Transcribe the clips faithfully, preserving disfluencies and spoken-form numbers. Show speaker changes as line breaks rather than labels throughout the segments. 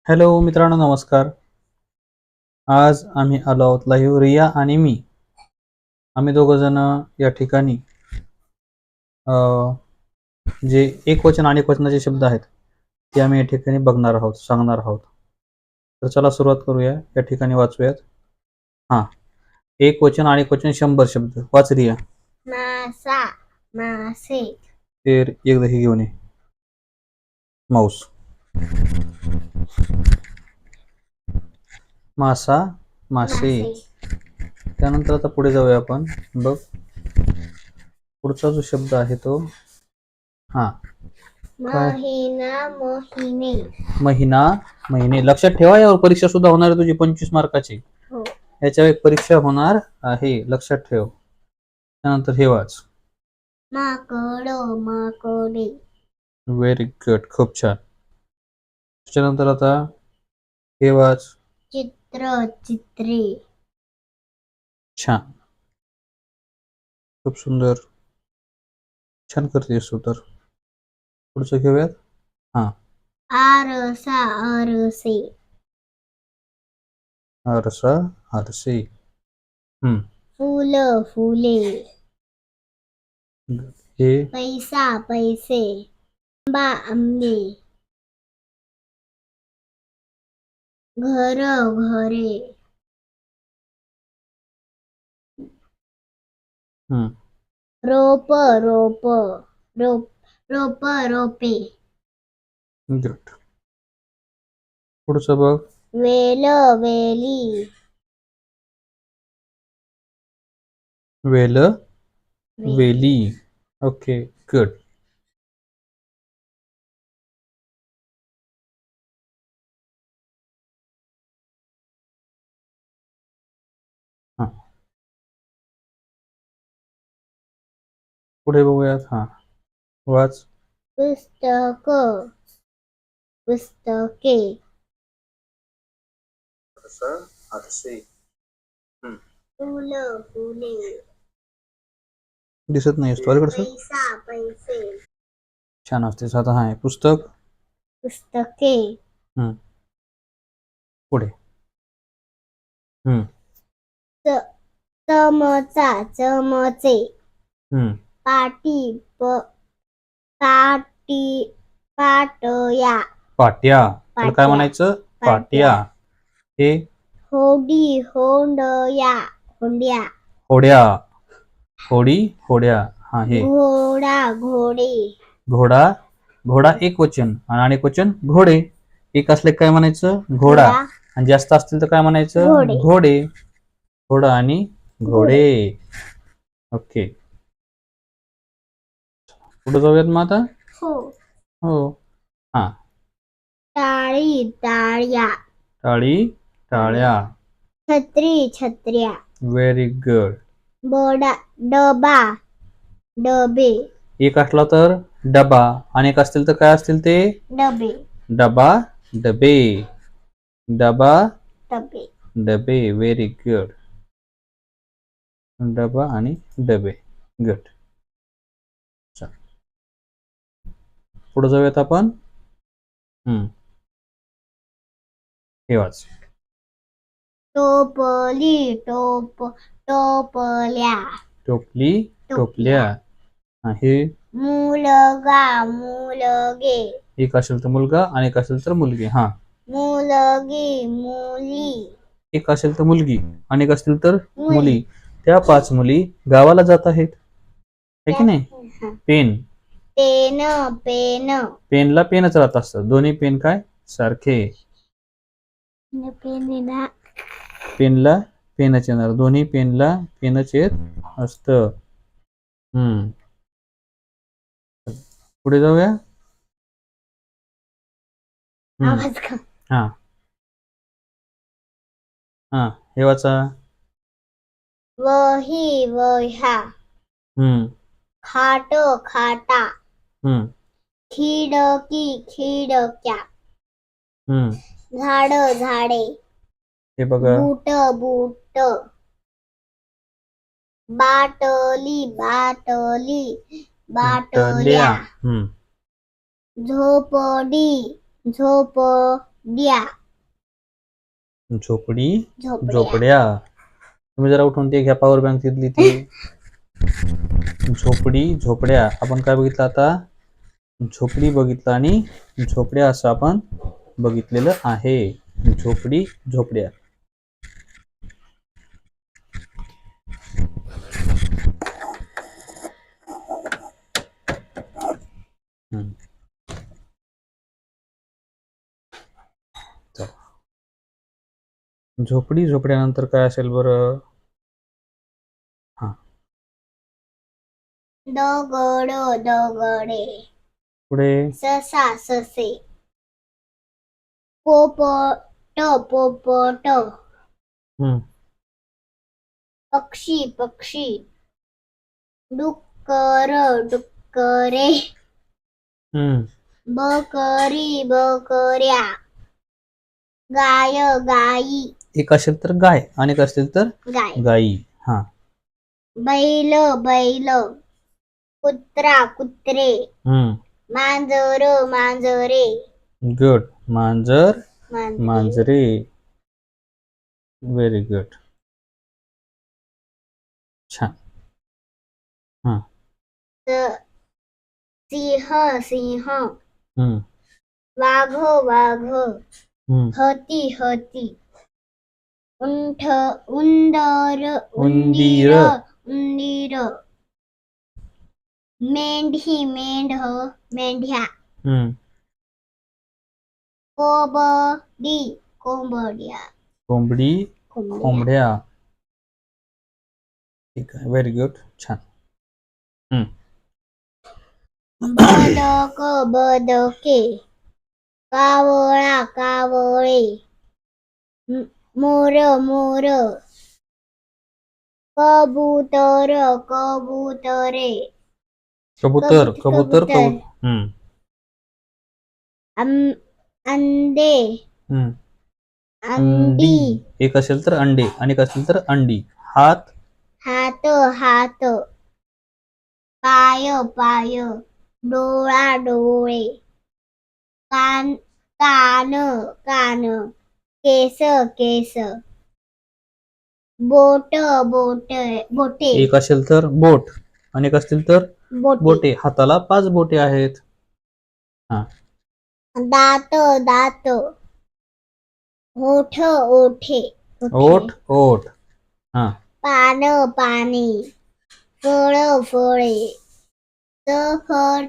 Hello मित्रांनो, नमस्कार. आज आम्ही आलो आहोत लाईव्ह. रिया आणि मी आम्ही दोघ जण या ठिकाणी जे एक वचन आणि वचनाचे शब्द आहेत ते आम्ही या ठिकाणी बघणार आहोत, सांगणार आहोत. तर चला सुरुवात करूया. या ठिकाणी वाचूयात. हा, एक वचन आणि वचन शंभर शब्द. वाच रिया.
मासा, मासे.
तर एकदा हे घेऊन ये माऊस. मासा, मासे. त्यानंतर आता पुढे जाऊया आपण. बघ, पुढचा जो शब्द आहे तो हा
महिना, महिने.
महिना, महिने. लक्षात ठेवा, यावर परीक्षा सुद्धा होणार आहे तुझी पंचवीस मार्काची.
हो.
याच्यावर एक परीक्षा होणार आहे, लक्षात ठेव. त्यानंतर हे वाच.
माकड, माकडे.
व्हेरी गुड, खूप छान. त्याच्यानंतर आता हे वाच.
चित्र, चित्रे.
छान, खूप सुंदर, छान करतेस तू. तर पुढचं घेऊयात. हा,
आरसा, आरसे.
आरसा, आरसे. हम्म
फुल, फुले.
हे
पैसा, पैसे. आंबा, आंबे. घर, घरे.
हम्म
रोप, रोप. रोप, रोप, रोपे.
गुड. पुढचं बघ.
वेल, वेली.
वेल, वेली. Okay, good. हा, पुढे बघूयात. हा, वाच.
पुस्तक, पुस्तके.
आरसे.
फुल, फुले.
दिसत नाही तुझ्याकडे.
पैसा, पैसे.
छान असते. आता हा आहे पुस्तक,
पुस्तके.
हम्म पुढे. हम्म
च- चमचा, चमचे.
हम्म
पाटी, प पाटी, पाटया.
पाट्या. त्याला काय
पाट्या.
म्हणायचं?
पाट्या.
पाट्या. हे
होडी, होंडया. होंड्या.
होड्या. होडी, होड्या. हा, हे
घोडा, घोडे.
घोडा. घोडा एक वचन आणि अनेक वचन घोडे. एक असले काय म्हणायचं? घोडा.
घोडा.
आणि जास्त असतील तर काय म्हणायचं?
घोडे.
घोडे. घोडा आणि घोडे. ओके, पुढे जाऊयात मग आता.
हो.
हो. हा,
टाळी, टाळ्या.
टाळी, टाळ्या.
छत्री, छत्र्या.
Very good.
बडा, डबा, डबे.
एक असला तर डबा, अनेक असतील तर काय असतील ते?
डबे.
डबा, डबे. डबा,
डबे.
डबे. Very good. डबा आणि डबे. गुड. पुढे जाऊयात आपण. हम्म हे वाच.
टोपली, टोप, टोपल्या.
टोपली, टोपल्या. हे
मुलगा, मुलगे.
एक असेल तर मुलगा, अनेक असेल तर मुलगी. हा,
मुलगी, मुली.
एक असेल तर मुलगी, अनेक असतील तर मुली. त्या पाच मुली गावाला जात आहेत, है की नाही? Pen,
pen, pen.
पेनला पेनच राहत असतात. दोन्ही पेन काय सारखे.
पेन,
पेनला पेनच येणार. दोन्ही पेनला पेनच येत असत. हम्म पुढे जाऊया.
आवाज का?
हा हा हे वाचा.
वही, वह्या.
हम्म
खाट, खाटा.
हम्म
खिडकी, खिडक्या.
हम्म
झाड, झाडे.
हे बघा.
बूट, बूट. बाटली, बाटली, बाटल्या.
हम्म
झोपडी, झोपड्या.
झोपडी
झोपड्या
झोपड्या. तुम्ही जरा उठून ते घ्या पॉवर बँक तिथली ती. झोपडी झोपड्या. आपण काय बघितलं आता? झोपडी बघितलं आणि झोपड्या असं आपण बघितलेलं आहे. झोपडी झोपड्या. हम्म. चला. झोपडी झोपड्यानंतर काय असेल बरं? हा
दगड दगडे
पुढे
ससा ससे पोपट पोपट
हम्म
पक्षी पक्षी डुक्कर डुक्करे
हम्म
बकरी बकऱ्या गाय गाई
एक असेल तर गाय आणि एक असेल तर
गाय
गाई. हा
बैल बैल कुत्रा कुत्रे
हम्म
मांजर मांजरे
गुड. मांजर
मांजरे
मांजरे. Very good. छान. हा
स- सिंह सिंह
हम्म
वाघ वाघ
हम्म
हती हती उंठ उंदर
उंदीर.
उंदीर उंदीर मेंढी मेंढ मेंढ्या
हम्म
कोंबडी कोंबड्या
कोंबडी
कोंबड्या
कोंबड्या. ठीक आहे. Very good. छान. हम्म
बदक बदके कावळा कावळे म- मोर मोर कबूतर कबुतरे
कबूतर
कबूत-
कबूतर
कबूतर.
कबूतर. हम्म
आं- अंडे
हम्म
अंडी
एक असेल तर अंडे आणि एक असेल तर अंडी. हात
हात हात पाय पाय डोळा डोळे कान कान कान केस केस बोट बोट बोटे
एक असेल तर बोट आणि एक असतील तर
बोटे
बोटे. हाताला पाच बोटे आहेत.
दात दात ओठ ओठे
ओठ ओठ. हा
पान पाने फळ फळे सफर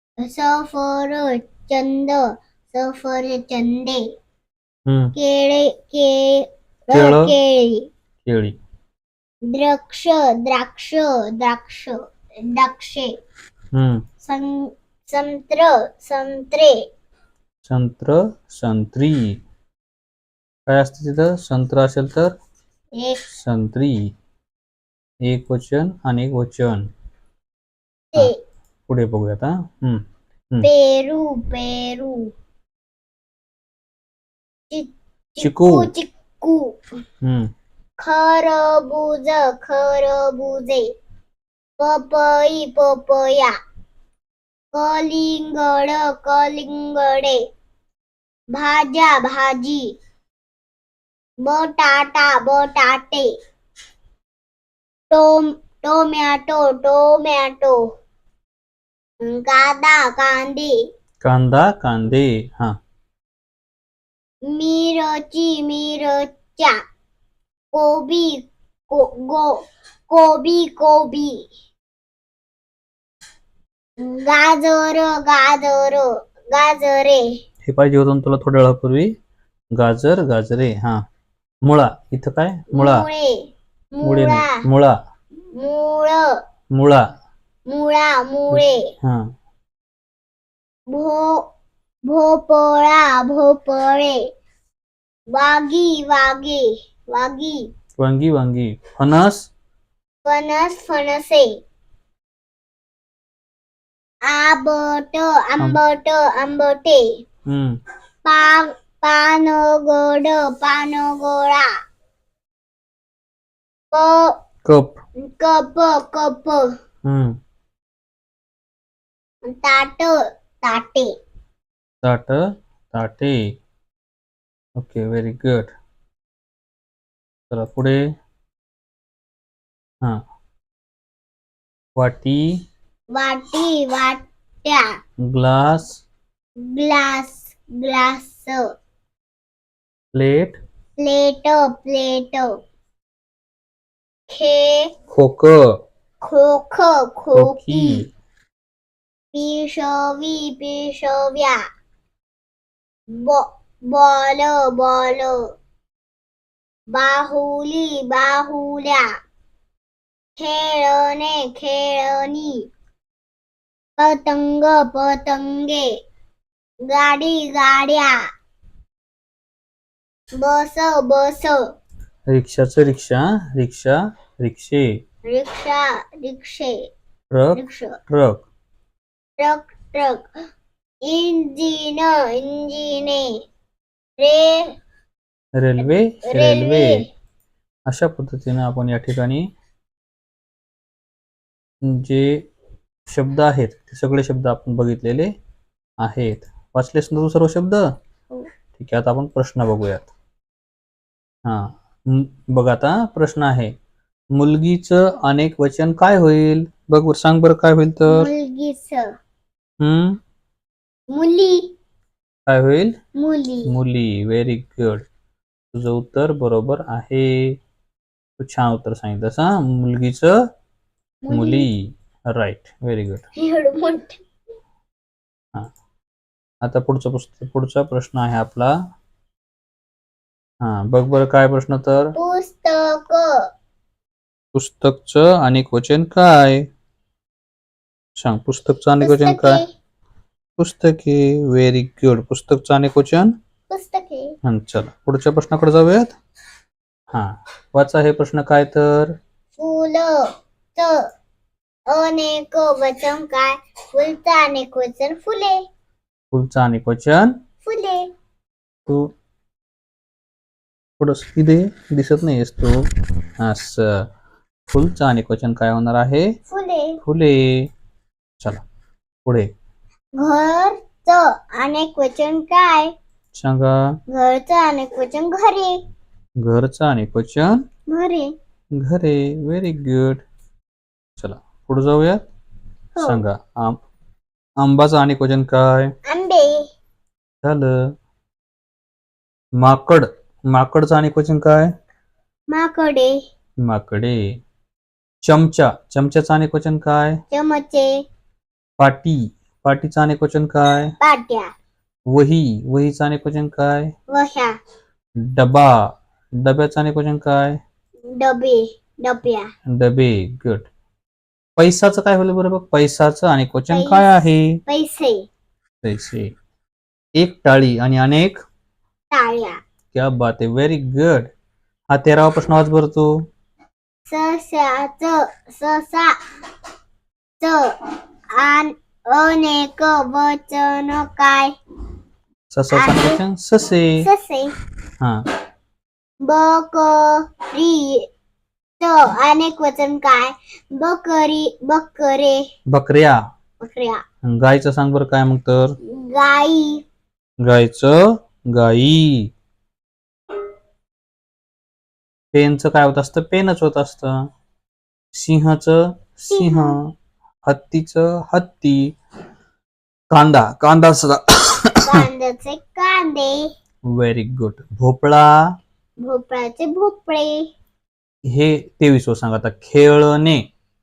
सफरचंद सफरचंदे
हम्म
केळे केळ
केळं.
केळी
केळी.
द्राक्ष द्राक्ष द्राक्ष द्राक्षे
हम्म
सं- संत्र संत्रे
संत्र संत्री. काय असते तिथं? संत्र असेल तर
एक
संत्री. एक वचन आणि एक वचन.
ते
पुढे बघूयात. हा हम्म
पेरू पेरू चि-
चिकू.
चिक्कू
हम्म
खरबूज खरबुजे पपई पपया कलिंगड कलिंगडे भाज्या भाजी बटाटा बटाटे टोम टोमॅटो टोमॅटो कांदा कांदे
कांदा कांदे. हा
मिरची मिरच्या कोबी को गो कोबी कोबी गाजर गाजर गाजरे
हे पाहिजे होतं ना तुला थोड्या वेळापूर्वी. गाजर गाजरे. हा मुळा. इथं काय? मुळा.
मुळे
मुळे
मुळा
नाही. मुळा
मूळ
मुळा.
मुळा मुळे
हा
भो भोपळा भोपळे वागी वागे वागी
वांगी वांगी. फणस
फणस फणसे आंबट आंबट आंबटे
हम्म
पान पानगड पानगोळा क
कप.
कप कप
हम्म
ताट ताटे
ताट ताटे. ओके. Very good. चला पुढे. हा वाटी,
वाटी वाट्या,
glass,
glass glass,
plate,
plate plate, खे
खोक,
खोख
खोकी,
खोकी, पिशवी पिशव्या, बॉल बॉल, बाहुली बाहुल्या, खेळणे खेळणी, पतंग पतंगे, गाडी गाड्या, बस बस,
रिक्षाचं रिक्षा, रिक्षा, रिक्षे,
रिक्षा रिक्षे,
ट्रक,
रिक्षा,
ट्रक,
ट्रक ट्रक, इंजिन इंजिने, रे
रेल्वे, रेल्वे.
रेल्वे.
अशा पद्धतीने आपण या ठिकाणी जे शब्द आहेत ते सगळे शब्द आपण बघितलेले आहेत. वाचलेस ना तू सर्व शब्द? ठीक आहे, आता आपण प्रश्न बघूयात. हा म- बघ आता प्रश्न आहे, मुलगीचं अनेक वचन काय होईल? बघ बरं, सांग बरं काय होईल तर.
मुलगीच
हम्म
मुली
काय होईल?
मुली.
मुली. व्हेरी गुड, तुझं उत्तर बरोबर आहे. तू छान उत्तर सांगितलंस. हा मुलगीचं मुली. Right, very good.
एवढं मोठं.
हा आता पुढचा पुस्तक पुढचा प्रश्न आहे आपला. हा बघ बरं काय प्रश्न तर.
पुस्तक
पुस्तकचं अनेक वचन काय? सांग, पुस्तकचं अनेक वचन काय?
पुस्तके
पुस्तके. व्हेरी गुड, पुस्तकचं अनेक वचन.
पुस्तके.
हं, चला पुढच्या प्रश्नाकडे जाऊयात. हा वाचा हे प्रश्न काय तर.
फुलचं अनेक वचन काय? फुलचं अनेक वचन फुले.
फुलचं अनेक वचन
फुले.
तू थोडस इथे दिसत नाहीयेस तू. असं फुलचं अनेक वचन काय होणार आहे?
फुले.
फुले. चला पुढे
घरचं अनेक वचन काय?
सांगा.
घरचं अनेक वचन घरे.
घरचं अनेक वचन
घरे.
घरे. Very good. चला पुढे जाऊया.
हो.
सांगा, आम आंबाचं अनेक वचन काय?
आंबे.
झालं. माकड माकडचं अनेक वचन काय?
माकडे.
माकडे. चमचा चमच्याचं अनेक वचन काय?
चमचे.
पाटी पाटीचं अनेक वचन काय?
पाट्या.
वही वहीचं अनेक वचन काय?
वह्या.
डबा डब्याचं अनेक वचन काय?
डबे. डब्या.
डबे. गुड. पैसाचं काय होईल बरं बघ? पैसाचं अनेक वचन
पैस-
काय आहे?
पैसे.
पैसे. एक टाळी आणि अनेक
टाळ्या.
क्या बात आहे, व्हेरी गुड. हा तेरावा प्रश्न वाच बरं तू.
सस्याच ससा च आन अनेक वचन काय?
ससाचं अनेक वचन ससे.
ससे.
हा
बकरी च अनेक वचन काय? बकरी बकरे.
बकऱ्या.
बकऱ्या.
गायचं सांग बरं काय मग तर.
गाई.
गायचं गाई. पेनचं काय होत असतं? पेनच होत असतं. सिंहाचं सिंह. हत्तीचं हत्ती. कांदा कांदा सुद्धा.
कांद्याचे कांदे.
Very good. भोपळा.
भोपळ्याचे भोपळे.
हे तेवीसवं सांग आता. खेळणे.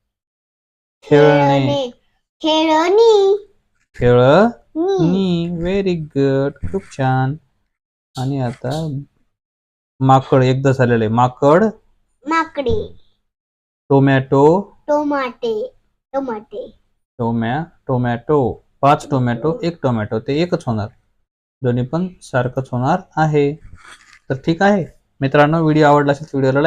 खेळणे.
खेळणी.
खेळणी. व्हेरी गुड, खूप छान. आणि आता माकड एकदा झालेलं आहे. माकड.
माकडे.
टोमॅटो.
टोमाटे. टोमाटे.
टोमॅ टोमॅटो. पाच टोमॅटो एक टोमॅटो, ते एकच होणार. दोन्ही पण सारखंच होणार आहे. तर ठीक आहे मित्रांनो, व्हिडिओ आवडला असेल व्हिडिओला